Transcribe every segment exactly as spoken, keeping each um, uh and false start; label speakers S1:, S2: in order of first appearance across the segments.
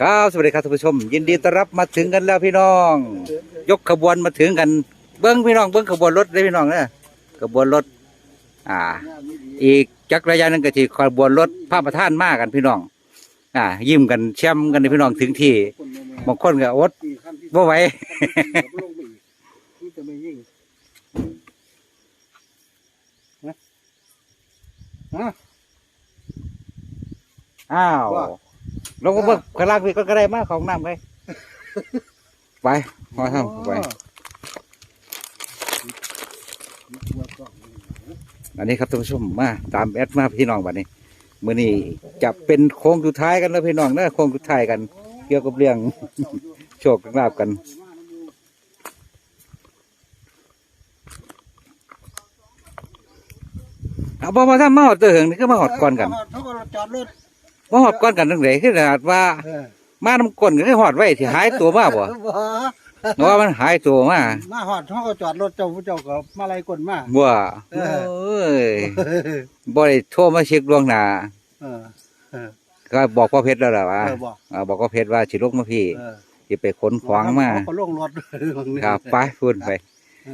S1: ครับสวัสดีครับท่านผู้ชมยินดีต้อนรับมาถึงกันแล้วพี่น้อง ยกขบวนมาถึงกันเบิ้งพี่น้องเบิ้งขบวนรถเลยพี่น้องนะขบวนรถอ่า อีกจักรยานนึงก็ที่ขบวนรถพระประธานมากันพี่น้อง อ่า ยิ้มกันแช่มกันเลยพี่น้องถึงที่บางคนก็อดบ่ไหว อ้าวลงมาเบิกขลางพี่ก็ได้มาของน้ำไปไปพอทำไปอันนี้ครับท่านผู้ชมมาตามแอดมาพี่น้องวันนี้มื้อนี้จะเป็นโค้งสุดท้ายกันแล้วพี่น้องนะโค้งสุดท้ายกันเกี่ยวกับเรื่อง โชคลาภกันเอาพอมาทำมาหอดเตอเหิงนี่ก็มาหอดก่อนกันมาหอดก่อนกันตั้งแต่คือขนาดว่ามาน้ำก้นก็ได้หอดไว้ที่หายตัวมาบ่เพราะว่ามันหายตัวมา
S2: มาหอดเขาก็จอดรถเจ้าผู้เจ้าก็มาไล่กลมา
S1: บ่เอ้ยบ่ได้โทรมาเช็คล่วงหน้าก็บอกพ่อเพชรแล้วล่ะว่าบอกพ่อเพชรว่าสิลงมาพี่สิไปขนของมา
S2: ก็ลงรถ
S1: ครับไปพูดไป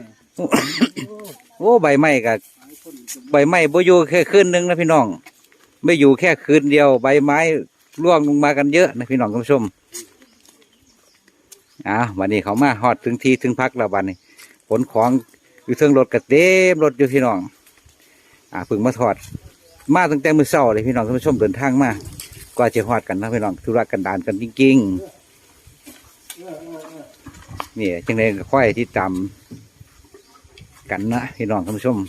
S1: โอ้ใบไม้ก็ใบไม้บ่อยู่แค่คืนนึงนะพี่น้องไม่อยู่แค่คืนเดียวใบไม้ร่วงลงมากันเยอะนะพี่น้องคุณผู้ชมอ่าวันนี้เขามาฮอดถึงที่ถึงพักแล้ววันนี้ขนของอยู่เทิงรถกระเต็มรถอยู่พี่น้องอ่าพึ่งมาถอดมาตั้งแต่มื้อเช้าเลยพี่น้องคุณผู้ชมเดินทางมากว่าจะฮอดกันนะพี่น้องธุระกันดารกันจริงๆนี่จังได๋ก็ค่อยที่ตามกันนะพี่น้องคุณผู้ชม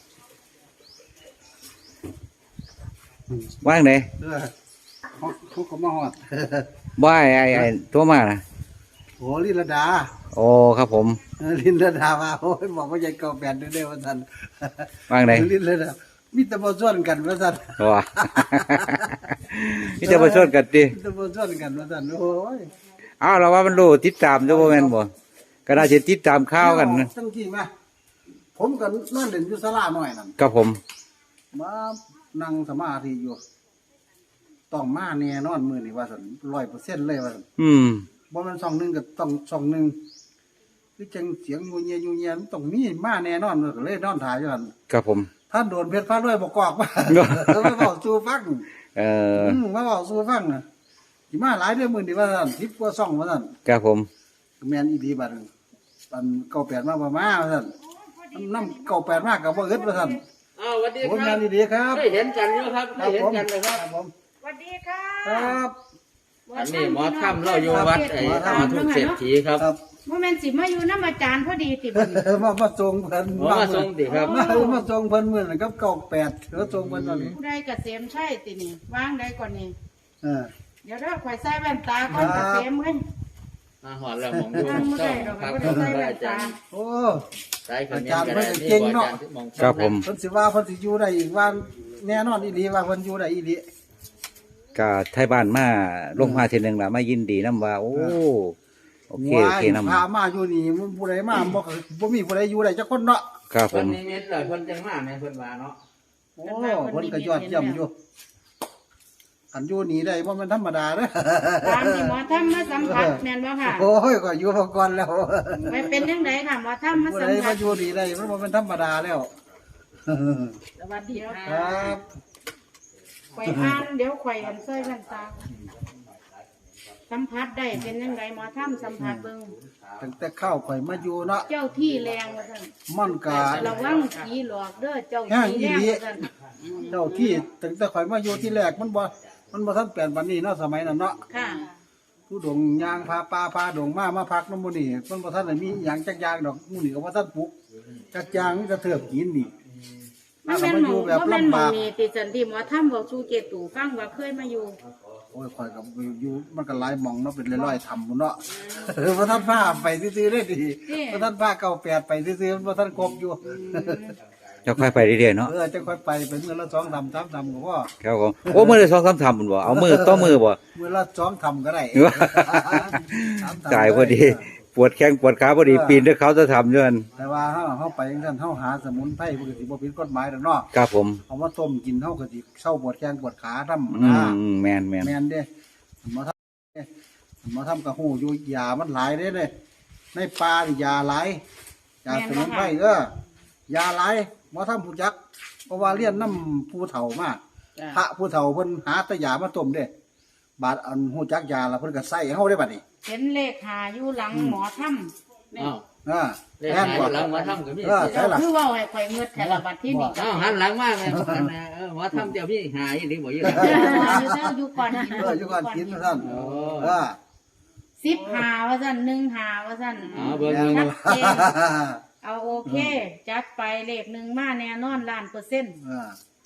S1: ว่างไหน
S2: เขาเขามาหอด
S1: ว่ายไอ้ไอ้ตัวมานะ
S2: โอ้ลินลดา
S1: โอ้ครับผม
S2: ลินลดามาโอ้ยบอกว่าใหญ่เก่าแปดเด้อวันทัน
S1: ว่างไหน
S2: ลินลดามิตรมาส่วนกันวันทัน
S1: ว้ามิตรมาส่วนกันดิ
S2: มิตรมาส่วนกันวันทันโอ้ย
S1: อ้าวเราว่ามันรู้ติดตามด้วยแม่นบ่ก็น่าจะติดตามข้าวกันนะ
S2: ตั้งที่มาผมกันนั่นเด่นยุสลาหน่อยนั่น
S1: ครับผม
S2: มานั่งสมาธิอยู่ต้องมาแน่นอนมือนี่ว่าสันร้อยเปอร์เซ็นต์เลยว่าสัน
S1: อืม
S2: บ่มันสองหนึ่งกับต้องสองหนึ่งคือจังเสียงยูเงียยูเงียต้องมีมาแน่นอนเลยนอนถ่ายอยู่นั่น
S1: ครับผม
S2: ท่านโดนเพชรฟ้าด้วยบอกกอกมามาบอกสู้ฟัง
S1: เออ
S2: มาบอกสู้ฟังนะที่มาหลายเดือนมือนี่ว่าสันทิพย์กว่าซ่องว่าสัน
S1: ครับผม
S2: แมนอีดีบันบันเก่าแปดมาประมาว่าสันน้ำเก่าแปดมากกับว่าเอิดว่าสัน
S3: อ้าวสวัสดีครับ
S2: ผมงานดีๆครับ
S3: ได้เห็นกันอยู่ครับได้เห็นกันเลยครับ
S2: ผม
S4: สวัสดีค่ะ
S2: ครับ
S3: อันนี้หมอถ้ำเราอยู่วัดไอ้หมอทุกเศรษฐีครับ
S4: โมเมนต์สิมาอยู่น้ำอาจารย์พอดีติบัน
S2: มามาส่งเพิ่น
S3: มาส่งติครับ
S2: มามาส่งเพิ่นเมื่อไหร่ครับเก่าแปดแล้วส่งเพิ่นตอนนี้
S4: ผู้ใดกระเสียมใช่ตินี่วางได้ก่อนนี่
S2: เออ
S4: เดี๋ยวเราข่อยใส่แว่นตาก่อนกระเสียมเว้ย
S3: มาหอดแล้วมองดูเจ้าครับอาจารย์
S2: โอ้
S3: อาจารย์เพิ่นเก่งเนาะ
S1: ครับผม
S2: เพิ่นสิว่าเพิ่นสิอยู่ได้อีกว่าแน่นอนอีหลีว่าเพิ่นอยู่ได้อีหลี
S1: ก็ไทยบ้านมาลงมาทีนึงล่ะมายินดีนำว่าโอ้โอเคโอเคนำ
S2: พามาอยู่นี่มันผู้ใดมาบ่บ่มีผู้ใดอยู่ได้จักคนเนาะ
S1: ครับผม
S3: เพิ่นนิมิตเลยเพิ่นจังมาในเพิ่นว่าเนาะ
S2: โอ้เพิ่นก็ยอดเยี่ยมอยู่อันอยู่นี่ได้บ่แม่นธรรมดาเด้อ
S4: ตามที่หมอทำมาสัมผัสแม่นบ่ค่ะ
S2: โอ้ยก็อยู่มาก่อนแล้ว
S4: ไปเป็นจังไดค่ะหมอทำมาสัมผัส
S2: มาอยู่นี่ได้มันบ่แม่นธรรมดาแล้ว
S4: สวัสดี
S2: ครับ
S4: ข่อยอ่านเดี๋ยวข่อยอันใส่แว่นตาสัมผัสได้เป็นยังไงหมอถ้ำสัมผัสเบิ่ง
S2: ตั้งแต่เข้าข่อยมาอยู่เนาะ
S4: เจ้าที่แรงว่าซั่น
S2: มันกะ
S4: ระวังผีหลอกเด้อเจ้าที่แรงว่าซั่น
S2: เจ้าที่ตั้งแต่ข่อยมาอยู่ที่แรกมันบ่มันบ่ทันเปลี่ยนปานนี้เนาะสมัยนั้นเนาะ
S4: ค่ะ
S2: ผู้ดงยางพาปลาพาดงมามาพักน้ำมูนี่มันบ่ทันได้มีหยังจักอย่างดอกมูนี่ก็บ่ทันปลูกจักอย่างมีแต่เถือกกินนี่
S4: มันแม่นหมองบ่แม่นหมองนี่ติจันที่หมอถ้ำบอกสู่เจตู่ฟังว่าเคยมาอยู่
S2: โอ้ยข่อยกับอยู่มันก็หลายหม่องเนาะเป็นร้อยๆทำพุ่นเนาะบ่ทันพาไปซื่อๆเลยดิบ่ทันพาเก้าแปดไปซื่อๆบ่ทันครบอยู่
S1: จะค่อยไปเรื่อยๆเนาะ
S2: เออจะค่อยไปไปมื้อละสองทำสามทำก็พอ
S1: ครับผมโอ้มื้อละสองสามทำพุ่นบ่เอามือต่อมือบ่
S2: มื้อละสองทำก็ได้
S1: จ่ายพอดีปวดแข้งปวดขาพอดีปีนด้วยเขาจะทำด้วย
S2: แต่ว่าเฮาเฮาไปจังซั่นเฮาหาสมุนไพรปกติบ่ผิดกฎหมายดอกเนาะ
S1: ครับผม
S2: เอามาต้มกินเฮาก็สิเซาปวดแข้งปวดขาทำ
S1: อืมแม่นๆ
S2: แม่นเด้หมอทำกระหูอยู่ยามันหลายเด้เลยในปลานี่ยาหลายยาสมุนไพรเออยาหลายหมอทำผู้จักเพราะว่าเลี้ยนน้ำผู้เฒ่ามากพระผู้เฒ่าเพิ่นหาแตะยามาต้มเด้บาดอันหูจักยาแล้วเพิ่นก็ใส่เฮาได้บัดนี้
S4: เห็นเลขหาอยู่หลังหมอถ้ำ
S3: อ้าว
S2: อ่า
S3: เลข
S2: แม่น
S3: หาย
S2: บ่
S3: หลังหมอทำก็มี
S2: เออ ใช่ล่ะ
S4: คือเว่าให้ข่อยเงือดแถวบัดที่นี่
S3: อ้าวหันหลังมาเลยเออหมอทำเดี๋ยวพี่หายหรือบ่อยู่
S4: เอออยู่เด้ออยู่ก่อนกิน
S2: เอออยู่ก่อนกินท่าน
S3: โอ้
S2: เออ
S4: สิบหาว่าสั่นหนึ่งหาว่าสั่น
S3: อ๋อเบิ่ง
S4: ชั
S3: เบิ่
S4: ด
S3: ง
S4: เจนเอาโอเค จัดไปเลขหนึ่งมาแน่นอนล้านเปอร์เซ็นต์
S2: อ่า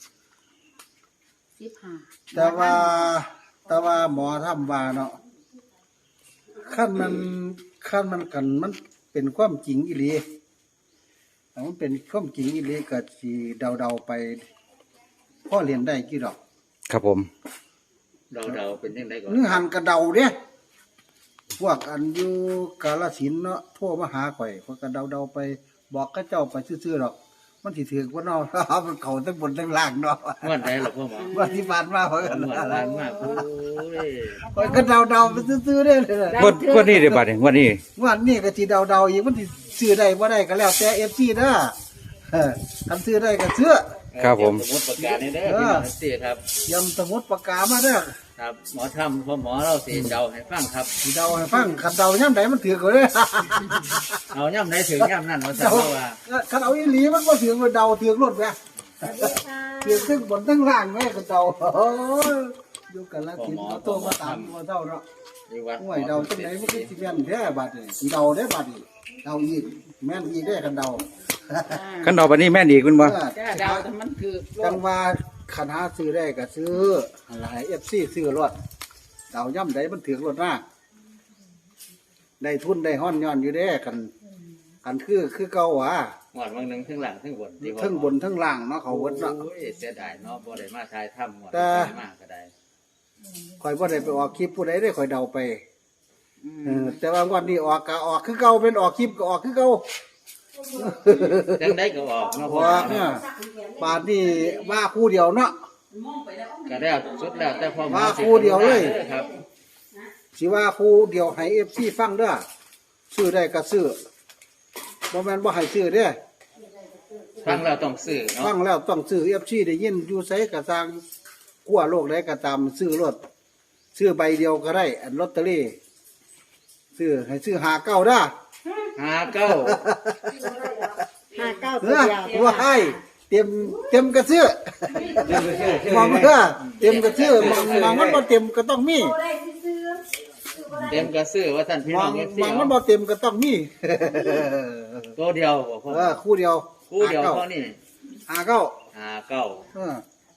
S4: สิบหา
S2: แต่ว่าแต่ว่าหมอทำว่าเนาะขั้นมันขั้นมันกันมันเป็นความจริงอีหลีถ้ามันเป็นความจริงอีหลีก็สิเดาๆไปพ่อเรียนได้กี่ดอก
S1: ครับผม
S3: เดาๆเป็นยังไงก่อน
S2: นึกหันกระเดาเด้พวกอันอยู่กาฬสินธุ์เนาะโทรมาหาข่อยพวกกระเดาเดาๆไปบอกกับเจ้าไปซื่อๆดอก มันสิถือว่าเนาะ มันเขาทั้งบนทั้งล่างเนาะ
S3: งวดไหนหรอพ่อหมอ
S2: วันที่ผ่านมาข่อยก็
S3: งวดล้านมากโอ้ย
S2: ข่อยก็เดาเดาๆไปซื่อๆเด้เลย
S1: งวดงวดนี้เดี๋ยวบัดนี้งวดนี้
S2: งวันนี้ก็สิเดาเดาๆอีกมันสิซื้อได้บ่ได้ก็แล้วแต่ เอฟ ซี เด้อเออคันซื้อได้ก็ซื้อ
S1: ครับผม
S3: สมมติประกาศนี่เด้อพี่น้องสิครับ
S2: ยำสมุดปากกามาเด้อ
S3: ครับหมอทำพ่อหมอเราสีเดาให้ฟังครับ
S2: สิเดาให้ฟังคันเดาย่ำใดมันถือก็เด้อ
S3: เอาย่ำไหนถึงย่ำนั่นว่าจะ
S2: เดา
S3: ว่า
S2: คันเอาอีหลีมันบ่ถือว่าเดาถือรถแม่ถือทั้งบนทั้งล่างแม่ก็เดาโอ้ยอยู่กันละกินเอาโตมาตามตัวเท่าเนาะ
S3: ที่วัด
S2: ห่วยเดาจังไหนมันก็สิแม่นแท้บัดนี้สิเดาได้บัดนี้เดาอีกแม่นอีกได้อคันเดา
S1: คันดอกบัดนี้แม่นอีกคุณบ่
S2: เออ
S4: จ้าดาวแต่มันคือ
S2: จังว่าคณะซื้อได้ก็ซื้ออะไรเอฟซีซื้อรถเดาย่ำใดมันถือรถหน้าได้ทุนได้ห้อนย้อนอยู่เด้กันกันคือคือเก่าหวะ
S3: หมดบางหนึ่งทั้งหลังทั้งบนที่พ่อ
S2: ทั้งบนทั้งล่างเนาะเขาเวิดเนาะ
S3: โอ้ยเสียดายเนาะบ่ได้มาทายถ้ำหมด
S2: แต่
S3: มากก็ได้
S2: ข่อยบ่ได้ไปออกคลิปผู้ใดได้ข่อยเดาไปเออแต่ว่างวันนี้ออกก็ออกคือเก่าเป็นออกคลิปก็ออกคือเก่า
S3: จังได้ก็ออกเนาะ
S2: เพ
S3: พ่อ
S2: ราะว่าเนี่ยบาทนี่ว่าคู่เดียวเนาะ
S3: ก็แล้วสุดแล้วแต่พ่อหมอ
S2: ว่าคู่เดียวเลย
S3: ครับ
S2: สิว่าคู่เดียวให้เอฟซีฟังเด้อซื้อได้ก็ซื้อบ่แม่นบ่ให้ซื้อเด้อ
S3: ฟังแล้วต้องซื้อเนาะ
S2: ฟังแล้วต้องซื้อเอฟซีได้ยินอยู่ไสกระซังขั้วโลกใดก็ตามซื้อรถซื้อใบเดียวก็ได้ อันลอตเตอรี่ซื้อให้ซื้อหาเก้าได้อ
S3: หาเก้า
S4: ห้าเก้า
S2: เอ
S4: ตัว
S2: อ
S4: เดียว
S2: ว่าให้เต็มเต็มกระซื้อมองเด้อเต็มกระซื้อมองมองมันบ่เต็มก็ต้องมี
S3: เต็มกระซื้อว่าท่านพี่
S2: ม
S3: น้
S2: อ
S3: อง งเอฟซี
S2: มองมันบ่เต็มก็ต้องมี
S3: ตัวเดียวบ่พ่อ
S2: เออคู่เดียว
S3: คู่เดียว
S2: หา
S3: เท่า
S2: เก้า
S3: นี้
S2: หาเก้า
S3: หาเก้า
S2: เออ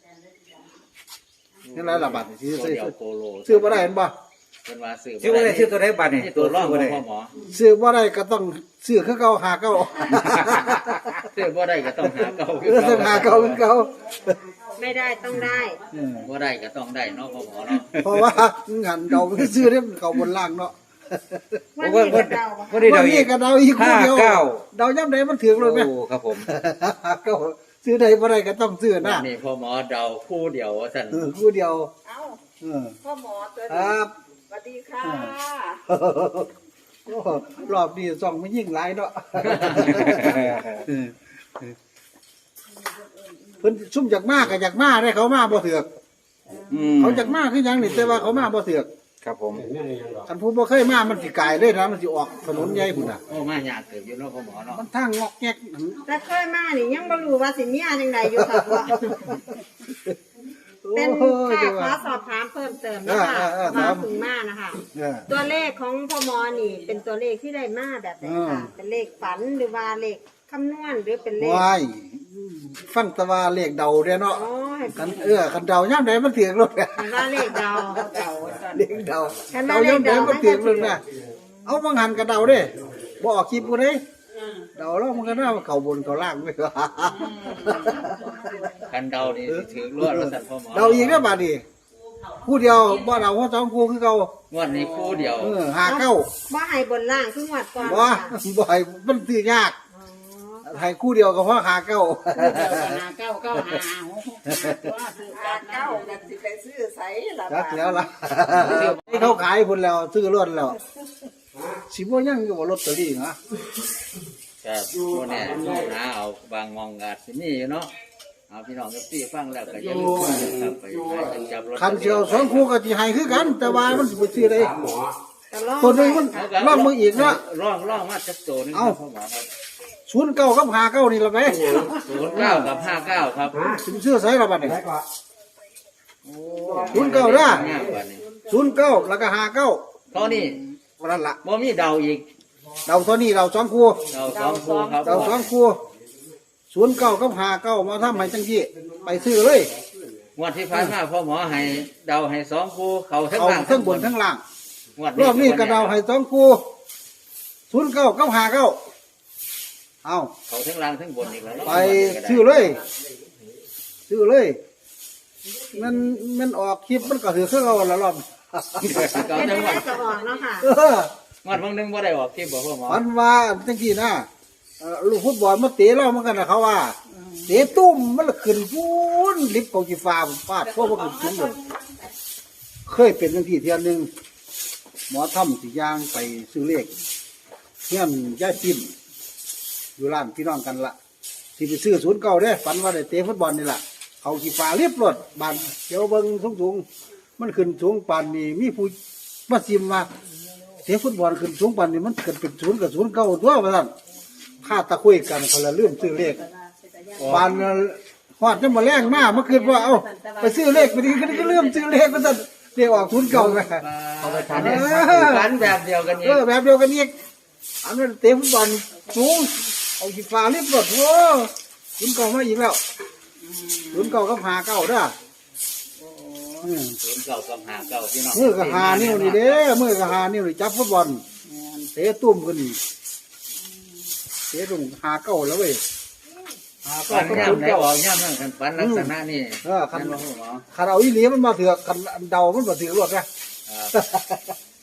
S2: นี่แหละละบาทซื้อ
S3: ตัว
S2: ซื้อ
S3: เดียวโคโล
S2: ซื้อบ่ได้เห็นบ่
S3: เป็นว่าซื้อ
S1: ชื่อว่าได้ชื่อตัวใดบัดนี่
S3: นี่ตัวร่อง
S1: บ่
S3: ของ
S1: ได้
S3: พ่อหมอ
S2: ซื้อบ่ได้ก็ต้องซื้อคือเก่าหาเก้า
S3: ซื้อบ่ได้ก็ต้องหาเก้า
S2: เออต้องหาเก้าคือเก่า
S4: ไม่ได้ต้องได้
S2: เออ
S3: บ่ได้ก็ต้องได้เนาะพ่อหมอเนาะ
S2: เพราะว่าหันเดาไปซื้อเนี่ยมันเขาบนล่างเนาะ
S4: วัน
S1: ว่า
S4: นี้
S1: ว่า
S4: ก็เดา
S1: ว่าได้เดา
S2: วัน
S1: อี
S2: นี้
S1: ก
S2: ก็เดาอีกคู่เดียว
S1: ห้าเก้า
S2: เดาย่ำใดมันถึงเลยไหม
S1: โอ้ครับผม
S2: ก็ซื้อใดบ่ได้ก็ต้องซื้อนะ
S3: นี่พ่อหมอเดาคู่เดียวว่าท่าน
S2: เออคู่เดียว
S4: เอ้า
S2: เออ
S4: พ่อหมอตัว
S2: ค
S4: นี้
S2: รับ
S4: สวัสดีค่ะ
S2: โอ้รอบนี้ส่องไม่ยิ่งหลายเนาะเออเพิ่นซุ่มจากมากก็จากมาได้เขามาบ่เถือก
S1: อืม
S2: เขาจากมาคือหยังนี่แต่ว่าเขามาบ่เถือก
S1: ครับผม
S2: คันผู้บ่เคยมามันสิกายเลยนะมันสิออกถนนใหญ่พุ่นน่ะ
S3: โอ้มายากเกิดอยู่เนาะพ่อหมอเนาะ
S2: มันทางงอกแงก
S4: แต่เคยมานี่ยังบ่รู้ว่าสิมีอันจังไดอยู่ค่ะพ่อเป็น
S2: โอ้ย
S4: แค่
S2: จัง
S4: ขอ
S2: ว่า
S4: สอบถามเพิ่มเติมนะคะ
S2: เออเออเออ
S4: มา
S2: ถาม
S4: ถึงมานะคะ
S2: เออ
S4: ตัวเลขของพ่อหมอนี่ เป็นตัวเลขที่ได้มาแบบไหนคะเป็นเลขฝันหรือว่าเลขคำนวณหรือเป็นเลข
S2: ว้ายฟังแตะว่าเลขเดาเด้เนาะ
S4: อ๋อให้
S2: กันเออกันเดาย่ำใดมันเถียงรถเนี่ย
S4: ให้ว่าเลขเดาเดา
S2: เลขเดา
S4: คัน
S2: เดา
S4: ว่าเลข
S2: ย่ำใด
S4: เดา
S2: มันเถียงรถเนี่ยเอาบางหันกับเดาเด้บ่ออกคลิปกูเด้เดาแล้วมันก็น่าเข้าบนเข้าล่างไปว่า
S3: คันเดานี่สิถือรวดว่าท่านพ่อหมอ
S2: เดาอีกแล้วบาดนี้คู่เดียวบ่เดาหัวสองคู่คือเก่าง
S3: วดนี้คู่เดียว
S2: เออหาเก้า
S4: ว่าให้บนล่างคือหวัดก่อน
S2: บ่บ่ให้มันซื้อยาก
S4: อ๋อ
S2: ให้คู่เดียวก็พอหาเก้า
S4: หาเก้าเก้าหาหกหกหาตัวซื้อ
S5: หา
S4: กัน
S5: เก้ากันสิไปซื้อไสละ
S2: จั
S5: บาก ท
S2: แล้วล่ะให้เขาขายพุ่นแล้วซื้อรถแล้วสิบ่ยังอยู่บ่ลอตเตอรี่นะ
S3: ครับพวกเนี่ยหาเอาบางมองอาจสิมีอยู่เนาะเอาพี่น้องกับพี่ฟังแล้วก็อย่าลืมครับไปหาจับรถ
S2: คันเสียวสองคู่ก็สิให้คือกัน แต่ว่ามันสิบ่ซื้อได้
S4: ก็ลอง
S2: ตัวหนึงมันลองมืออีกเนาะ
S3: ร่องร่องมาจักโตนึง
S2: เอ้า
S3: พ่อหมอครับ
S2: ศูนย์เก้ากับหาเก้านี่ละไป
S3: ศูนย์เก้ากับห้าเก้าครับ
S2: สิซื้อไสละบัดนี้ศูนย์เก้าเด้อ
S3: ง่ายกว่านี้
S2: ศูนย์เก้าแล้วก็หาเก้า
S3: ตอนนี้
S2: วันนั้นล่ะ
S3: บ่มีเดาอีก
S2: เราตัวนี้เราสองคู่
S3: เดาสองคู่ครับ
S2: เราสองคู่ศูนย์เก้ากับหาเก้ามาทำให้จังซี่ไปซื้อเลย
S3: งวดที่ผ่านมาพ่อหมอให้เดาให้สองคู่เขาทั้ง
S2: เอา
S3: ล่าง
S2: ทั้งบนทั้งล่าง
S3: งวด
S2: รอบนี้กระเดาให้สองคู่ศูนย์เก้ากับหาเก้าเอา
S3: เขาทั้งล่างทั้งบนอีกแล้ว
S2: ไปซื้อเลย ซื้อเลยมันมันออกคลิปมันก็ถือเครื่องเอาละรอบ
S3: เขา
S4: เป็น
S3: ทั้ง
S4: แม่
S3: วัน
S4: ก็ออกแล้วค่ะ
S2: เออง
S3: วดบางนึงบ่ได้ออกคลิปบ่พ่อหมอ
S2: มันว่าจังกี้นะเอ่อลูกฟุตบอลมาเตะเราเหมือนกันนะเขาว่าเตะตุ้มมันละขึ้นฟูนลิฟต์ของจีฟ้าผมฟาดพวกมันขึ้นสูงเลยเคยเป็นจังที่เทียนหนึ่งหมอทำสิย่างไปซื้อเลขเฮียนย่าจิ้มอยู่ร้านพี่น้องกันละที่ไปซื้อศูนย์เก่าเด้ฝันว่าได้เตะฟุตบอลนี่แหละเขาจีฟ้าเรียบรถบานเดี๋ยวเบิ้งสูงสูงๆมันขึ้นสูงปานนี่มีผู้มาซิมมาเตะฟุตบอลขึ้นสูงปานนี่มันเกิดเป็นศูนย์กับศูนย์เก่าตัวว่าท่านข้าตะคุยกันคนละเรื่องซื้อเลข ปานหอดจะมาแรงมากเมื่อคืนว่าเอ้าไปซื้อเลขไปดีก็เริ่มซื้อเลขก็จะเรียกออกทุนเก่าไง
S3: เอาไปทานเนี่ยฝันแบบเดียวกันอี
S2: เอก อแบบเดียวกันอีกอันนั้นเตะฟุตบอลสูงเอาขีฟ้ารีบรถโอ้ทุนเก่ามาอีกแล้วทุนเก่าก็หาเก่าเด้ออืม
S3: ศูนย์เก้ากับห้าเก้าพี่น้อง
S2: มือก็หานิ้วนี่เด้มือก็หานิ้วนี่จับฟุตบอลเตะตุ้มกันนี่เตะตุ้มหาเก่าแล้วเว้ยหา
S3: ฝั
S2: เก่าน ก็
S3: ย่
S2: ทุน
S3: ำไหน
S2: เก่า
S3: ออกย่ำนั่นกันฝันลักษณะนี้
S2: เออคัน
S3: นั่นบ่พ่อหมอ
S2: คันเอาอีหลีมันมาเถือกคันเดามันมาเถือกรถนะ
S3: ครับ